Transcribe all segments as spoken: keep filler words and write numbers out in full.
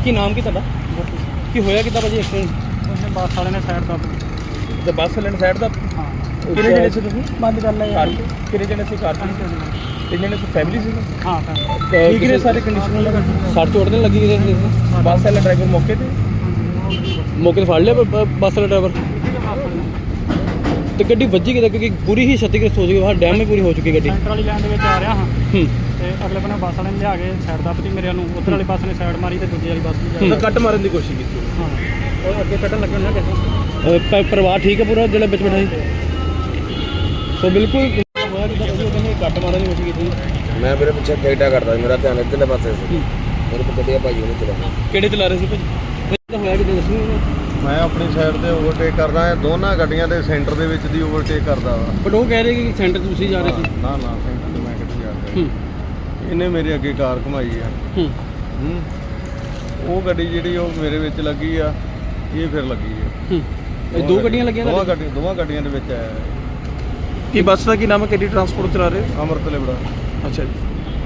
ਕੀ ਨਾਮ ਕੀ ਤੁਹਾਡਾ? ਕੀ ਹੋਇਆ ਕਿੱਦਾਂ ਭਾਜੀ ਐਕਸੀਡੈਂਟ? उसने बस वाले ने साइड कर ਤੇ ਬੱਸ ਲੈਣ ਸਾਈਡ ਦਾ हाँ ਕਿੰਨੇ ਜਣੇ ਸੀ ਤੁਸੀਂ? बंद कर लिया ਕਾਰ 'ਚ? ਕਿੰਨੇ ਜਣੇ ਸੀ ਕਾਰ 'ਚ? ਤਿੰਨ ਜਣੇ ਸੀ, ਫੈਮਿਲੀ ਸੀ? हाँ ਠੀਕ ਨੇ ਸਾਰੇ ਕੰਡੀਸ਼ਨ? ਸੱਟ ਚੋਟ ਨਹੀਂ ਲੱਗੀ ਕਿਸੇ ਦੇ? ਬੱਸ ਵਾਲਾ ਡਰਾਈਵਰ ਮੌਕੇ ਤੇ ਮੌਕੇ ਤੇ ਫੜ ਲਿਆ ਬ- ਬ- ਬੱਸ ਵਾਲਾ ਡਰਾਈਵਰ? ਤੇ ਗੱਡੀ ਵੱਜੀ ਕਿੱਦਾਂ? ਕਿਉਂਕਿ ਪੂਰੀ ਹੀ ਛੱਤੀਗ੍ਰਸਤ ਹੋ ਚੁੱਕੀ ਹੈ, ਡੈਮੇਜ ਪੂਰੀ ਹੋ ਚੁੱਕੀ ਗੱਡੀ। सेंटर वाली लाइन ਦੇ ਵਿੱਚ ਆ ਰਿਹਾ ਹਾਂ ਹੂੰ ਤੇ ਅਗਲੇ ਬੰਨੇ ਬੱਸ ਵਾਲੇ ਨੇ ਲਿਆ ਕੇ ਸਾਈਡ ਦੱਬਤੀ ਮੇਰੇ ਨੂੰ, ਉਧਰ ਵਾਲੀ ਬੱਸ ਨੇ ਸਾਈਡ ਮਾਰੀ ਤੇ ਦੂਜੀ ਵਾਲੀ ਬੱਸ ਵੀ ਜਾ ਤਾਂ ਕੱਟ ਮਾਰਨ ਦੀ ਕੋਸ਼ਿਸ਼ ਕੀਤੀ? ਹਾਂ ਉਹ ਅੱਗੇ ਕੱਢਣ ਲੱਗੇ ਨਾ ਕਿਸੇ ਅਹ ਪ- ਪਰਿਵਾਰ ਠੀਕ ਹੈ ਪੂਰਾ ਜਿਹੜਾ ਵਿੱਚ ਬੈਠਾ ਸੀ? ਸੋ ਬਿਲਕੁਲ ਹੋਇਆ ਕਿੱਦਾਂ ਭਾਜੀ? ਉਹ ਕਹਿੰਦੇ ਕੱਟ ਮਾਰਨ ਦੀ ਕੋਸ਼ਿਸ਼ ਕੀਤੀ। ਮੈਂ ਮੇਰੇ ਪਿੱਛੇ ਟਿਕਟਾ ਕਰਦਾ ਸੀ, ਮੇਰਾ ਧਿਆਨ ਇੱਧਰਲੇ ਪਾਸੇ ਸੀ। ਮੇਰੇ ਕੋਲ ਗੱਡੀਆ ਭਾਈ ਉਹਨੇ ਚਲਾ ਕਿਹੜੇ ਚਲਾ ਰਹੇ ਸੀ ਭਾਜੀ? ਤਾਂ ਹੋਇਆ ਕਿੱਦਾਂ ਦੱਸੋ? ਮੈਂ ਆਪਣੀ ਸਾਈਡ ਤੇ ਓਵਰਟੇਕ ਕਰਦਾ ਹਾਂ, ਦੋਨਾਂ ਗੱਡੀਆਂ ਦੇ ਸੈਂਟਰ ਦੇ ਵਿੱਚ ਦੀ ਓਵਰਟੇਕ ਕਰਦਾ ਵਾ। ਬਟ ਉਹ ਕਹਿ ਰਹੇ ਕਿ ਸੈਂਟਰ ਤੁਸੀਂ ਜਾ ਰਹੇ ਸੀ। ਨਾ ਨਾ ਸੈਂਟਰ ਤੇ ਮੈਂ ਕਿੱਥੇ ਜਾ ਰਿਹਾ? ਹੂੰ ਇਹਨੇ ਮੇਰੇ ਅੱਗੇ ਕਾਰ ਘੁਮਾਈ ਆ। ਹੂੰ ਹੂੰ ਉਹ ਗੱਡੀ ਜਿਹੜੀ ਉਹ ਮੇਰੇ ਵਿੱਚ ਲੱਗੀ ਆ, ਇਹ ਫਿਰ ਲੱਗੀ ਆ। ਹੂੰ ਇਹ ਦੋ ਗੱਡੀਆਂ ਲੱਗੀਆਂ ਦੋਵਾਂ ਤੁਹਾਡੇ? ਗੱਡੀਆਂ ਦੋਵਾਂ ਗੱਡੀਆਂ ਦੇ ਵਿੱਚ ਆਇਆ। ਕੀ ਬੱਸ ਦਾ ਕੀ ਨਾਮ ਹੈ? ਕਿਹੜੀ ਟਰਾਂਸਪੋਰਟ ਚਲਾ ਰਹੇ? ਅੰਮ੍ਰਿਤ ਲਿਬੜਾ। ਅੱਛਾ ਜੀ।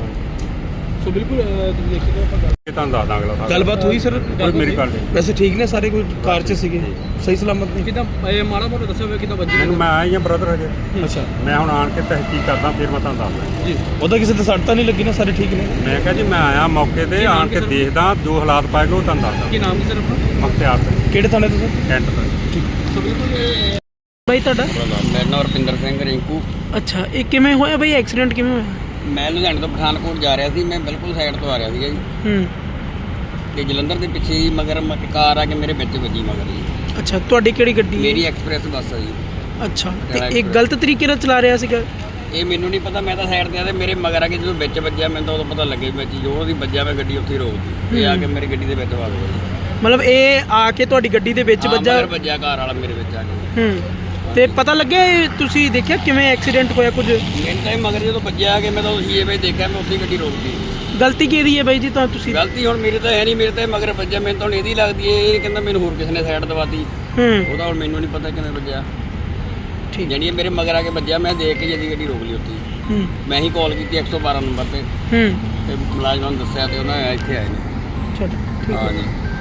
ਸੋ ਬਿਲਕੁਲ ਤੁਸੀਂ ਦੇਖ ਸਕਦੇ ਹੋ ਆਪਾਂ ਇਹ ਤੁਹਾਨੂੰ ਦੱਸ ਦਾਂਗੇ ਅਗਲਾ ਗੱਲਬਾਤ ਹੋਈ ਸਰ? ਕੋਈ ਮੇਰੀ ਗੱਲ ਨਹੀਂ। ਵੈਸੇ ਠੀਕ ਨੇ ਸਾਰੇ? ਕੋਈ ਕਾਰ 'ਚ ਸੀਗੇ ਸਹੀ ਸਲਾਮਤ ਨੇ? ਕਿਦਾਂ ਇਹ ਮਾੜਾ ਮੋਟਾ ਦੱਸਿਆ ਹੋਇਆ ਕਿਦਾਂ ਵੱਜੀ? ਮੈਨੂੰ ਮੈਂ ਆਇਆ ਹੀ ਆ ਬ੍ਰਦਰ ਹਜੇ, ਅੱਛਾ ਮੈਂ ਹੁਣ ਆਣ ਕੇ ਤਹਿਕੀਕ ਕਰਦਾ ਫਿਰ ਮੈਂ ਤੁਹਾਨੂੰ ਦੱਸਦਾ ਜੀ। ਉਹਦਾ ਕਿਸੇ ਤੇ ਸੱਟ ਤਾਂ ਨਹੀਂ ਲੱਗੀ ਨਾ? ਸਾਰੇ ਠੀਕ ਨੇ? ਮੈਂ ਕਿਹਾ ਜੀ ਮੈਂ ਆਇਆ ਮੌਕੇ ਤੇ ਆਣ ਕੇ ਦੇਖਦਾ ਜੋ ਹਾਲਾਤ ਪਾਏਗਾ ਉਹ ਤੁਹਾਨੂੰ ਦੱਸਦਾ। ਕੀ ਨਾਮ ਕੀ ਸਰ ਆਪਣਾ? ਮੁਖਤਿਆਰ ਸਿੰਘ ਕਿਹੜੇ ਥਾਣੇ ਤੋਂ ਸਰ? ਕੈਂਟ ਦਾ। ਸੋ ਬਿਲਕੁਲ ਬਾਈ ਤੁਹਾਡਾ? ਮੇਰਾ ਨਾਮ ਰੁਪਿੰਦਰ ਸਿੰਘ ਰਿੰਕੂ। ਅੱਛਾ ਇਹ ਕਿਵੇਂ ਹੋਇਆ ਬਾਈ ਐਕਸੀਡੈਂਟ ਕਿਵੇਂ ਹੋਇਆ? ਮੈਂ ਲੁਧਿਆਣੇ ਤੋਂ ਪਠਾਨਕੋਟ ਜਾ ਰਿਹਾ ਸੀ, ਮੈਂ ਬਿਲਕੁਲ ਸਾਈਡ ਤੋਂ ਆ ਰਿਹਾ ਸੀਗਾ ਜੀ ਹੂੰ ਤੇ ਜਲੰਧਰ ਦੇ ਪਿੱਛੇ ਹੀ ਮਗਰ ਮ- ਕਾਰ ਆ ਕੇ ਮੇਰੇ ਵਿੱਚ ਵੱਜੀ ਮਗਰ ਜੀ। ਅੱਛਾ ਤੁਹਾਡੀ ਕਿਹੜੀ ਗੱਡੀ ਹੈ? ਮੇਰੀ ਐਕਸਪ੍ਰੈਸ ਬੱਸ ਆ ਜੀ। ਅੱਛਾ ਤੇ ਇਹ ਗਲਤ ਤਰੀਕੇ ਨਾਲ ਚਲਾ ਰਿਹਾ ਸੀਗਾ? ਇਹ ਮੈਨੂੰ ਨਹੀਂ ਪਤਾ, ਮੈਂ ਤਾਂ ਸਾਈਡ ਤੇ ਆ ਤੇ ਮੇਰੇ ਮਗਰ ਆ ਕੇ ਜਦੋਂ ਵਿੱਚ ਵੱਜਿਆ ਮੈਨੂੰ ਤਾਂ ਉਦੋਂ ਪਤਾ ਲੱਗਿਆ ਵੀ ਮੈਂ ਜੋ ਉਹਦੀ ਵੱਜਿਆ ਮੈਂ ਗੱਡੀ ਉੱਥੇ ਹੀ ਰੋਕਦੀ। ਇਹ ਆ ਕੇ ਮੇਰੀ ਗੱਡੀ ਦੇ ਵਿੱਚ ਵੱਜ ਗਿਆ ਜੀ। ਮਤਲਬ ਇਹ ਆ ਕੇ ਤੁਹਾਡੀ ਗੱਡੀ ਦੇ ਵਿੱਚ ਹਾਂ, ਵੱਜਾ? ਮਗਰ ਵੱਜਿਆ ਕਾਰ ਵਾਲਾ ਮੇਰੇ ਵਿੱਚ ਆ ਕੇ। ਹੂੰ ਤੇ ਪਤਾ ਲੱਗਿਆ ਇਹ ਤੁਸੀਂ ਦੇਖਿਆ ਕਿਵੇਂ ਐਕਸੀਡੈਂਟ ਹੋਇਆ ਕੁਝ? ਮੈਨੂੰ ਤਾਂ ਇਹ ਮਗਰ ਜਦੋਂ ਵੱਜਿਆ ਕਿ ਮੈਂ ਤਾਂ ਉਸੇ ਵੇ ਦੇਖਿਆ, ਮੈਂ ਉੱਥੇ ਗੱਡੀ ਰੋਕਦੀ। ਗਲਤੀ ਕਿਹਦੀ ਹੈ ਬਾਈ ਜੀ? ਤਾਂ ਤੁਸੀਂ ਗਲਤੀ ਹੁਣ ਮੇਰੇ ਤਾਂ ਹੈ ਨਹੀਂ, ਮੇਰੇ ਤਾਂ ਇਹ ਮਗਰ ਵੱਜਿਆ, ਮੈਨੂੰ ਤਾਂ ਹੁਣ ਇਹਦੀ ਲੱਗਦੀ ਹੈ। ਇਹ ਕਹਿੰਦਾ ਮੈਨੂੰ ਹੋਰ ਕਿਸੇ ਨੇ ਸਾਈਡ ਦਵਾਤੀ, ਹੂੰ ਉਹਦਾ ਹੁਣ ਮੈਨੂੰ ਨਹੀਂ ਪਤਾ ਕਿਵੇਂ ਵੱਜਿਆ। ਠੀਕ ਜਾਣੀ ਇਹ ਮੇਰੇ ਮਗਰ ਆ ਕੇ ਵੱਜਿਆ, ਮੈਂ ਦੇਖ ਕੇ ਜਦੀ ਗੱਡੀ ਰੋਕ ਲਈ ਉੱਥੇ ਹੀ। ਹੂੰ ਮੈਂ ਹੀ ਕਾਲ ਕੀਤੀ ਇੱਕ ਸੌ ਬਾਰਾਂ ਨੰਬਰ ਤੇ ਹੂੰ ਤੇ ਮੁਲਾਜ਼ਮਾਂ ਨੂੰ ਦੱਸਿਆ ਤੇ ਉਹਨਾਂ ਇੱਥੇ ਆਏ ਨੇ। ਚਲੋ ਠੀਕ ਹੈ। ਹਾਂ ਜੀ।